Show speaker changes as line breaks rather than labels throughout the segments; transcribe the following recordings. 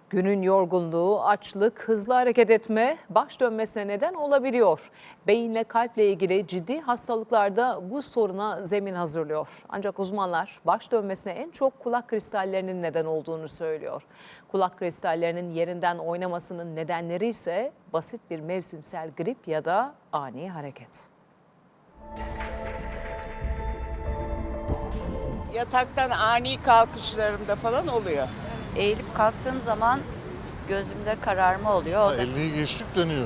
Günün yorgunluğu, açlık, hızlı hareket etme baş dönmesine neden olabiliyor. Beyinle kalple ilgili ciddi hastalıklarda bu soruna zemin hazırlıyor. Ancak uzmanlar baş dönmesine en çok kulak kristallerinin neden olduğunu söylüyor. Kulak kristallerinin yerinden oynamasının nedenleri ise basit bir mevsimsel grip ya da ani hareket.
Yataktan ani kalkışlarımda falan oluyor.
Eğilip kalktığım zaman gözümde kararma oluyor. O da
50'yi geçtik dönüyor.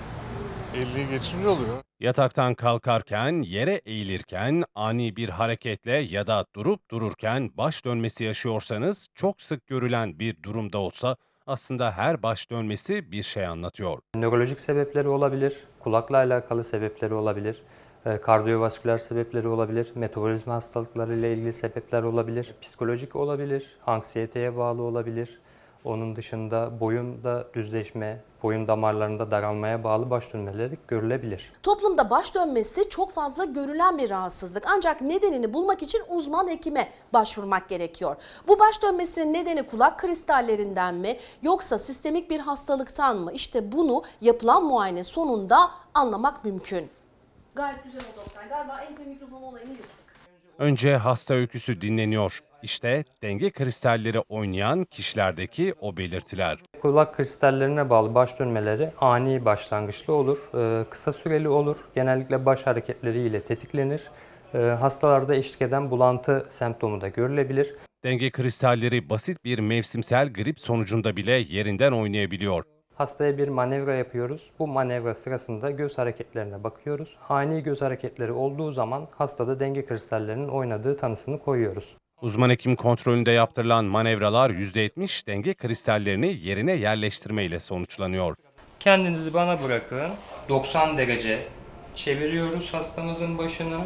50'yi geçince oluyor.
Yataktan kalkarken, yere eğilirken, ani bir hareketle ya da durup dururken baş dönmesi yaşıyorsanız çok sık görülen bir durumda olsa aslında her baş dönmesi bir şey anlatıyor.
Nörolojik sebepleri olabilir, kulakla alakalı sebepleri olabilir, kardiyovasküler sebepleri olabilir, metabolizma hastalıkları ile ilgili sebepler olabilir, psikolojik olabilir, anksiyeteye bağlı olabilir. Onun dışında boyunda düzleşme, boyun damarlarında daralmaya bağlı baş dönmeleri görülebilir.
Toplumda baş dönmesi çok fazla görülen bir rahatsızlık. Ancak nedenini bulmak için uzman hekime başvurmak gerekiyor. Bu baş dönmesinin nedeni kulak kristallerinden mi yoksa sistemik bir hastalıktan mı? İşte bunu yapılan muayene sonunda anlamak mümkün. Gayet güzel oldu Oktay. Galiba ente mikrofon olayını yuttuk.
Önce hasta öyküsü dinleniyor. İşte denge kristalleri oynayan kişilerdeki o belirtiler.
Kulak kristallerine bağlı baş dönmeleri ani başlangıçlı olur, kısa süreli olur, genellikle baş hareketleriyle tetiklenir. Hastalarda eşlik eden bulantı semptomu da görülebilir.
Denge kristalleri basit bir mevsimsel grip sonucunda bile yerinden oynayabiliyor.
Hastaya bir manevra yapıyoruz. Bu manevra sırasında göz hareketlerine bakıyoruz. Ani göz hareketleri olduğu zaman hastada denge kristallerinin oynadığı tanısını koyuyoruz.
Uzman hekim kontrolünde yaptırılan manevralar %70 denge kristallerini yerine yerleştirme ile sonuçlanıyor.
Kendinizi bana bırakın. 90 derece çeviriyoruz hastamızın başını.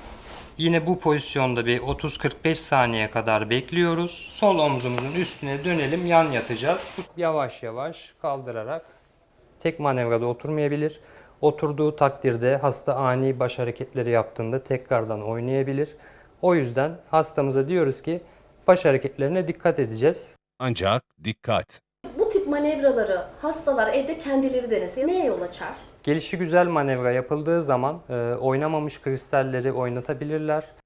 Yine bu pozisyonda bir 30-45 saniye kadar bekliyoruz. Sol omzumuzun üstüne dönelim, yan yatacağız. Yavaş yavaş kaldırarak tek manevrada oturmayabilir. Oturduğu takdirde hasta ani baş hareketleri yaptığında tekrardan oynayabilir. O yüzden hastamıza diyoruz ki baş hareketlerine dikkat edeceğiz.
Ancak dikkat!
Bu tip manevraları hastalar evde kendileri denese neye yol açar?
Gelişigüzel manevra yapıldığı zaman oynamamış kristalleri oynatabilirler.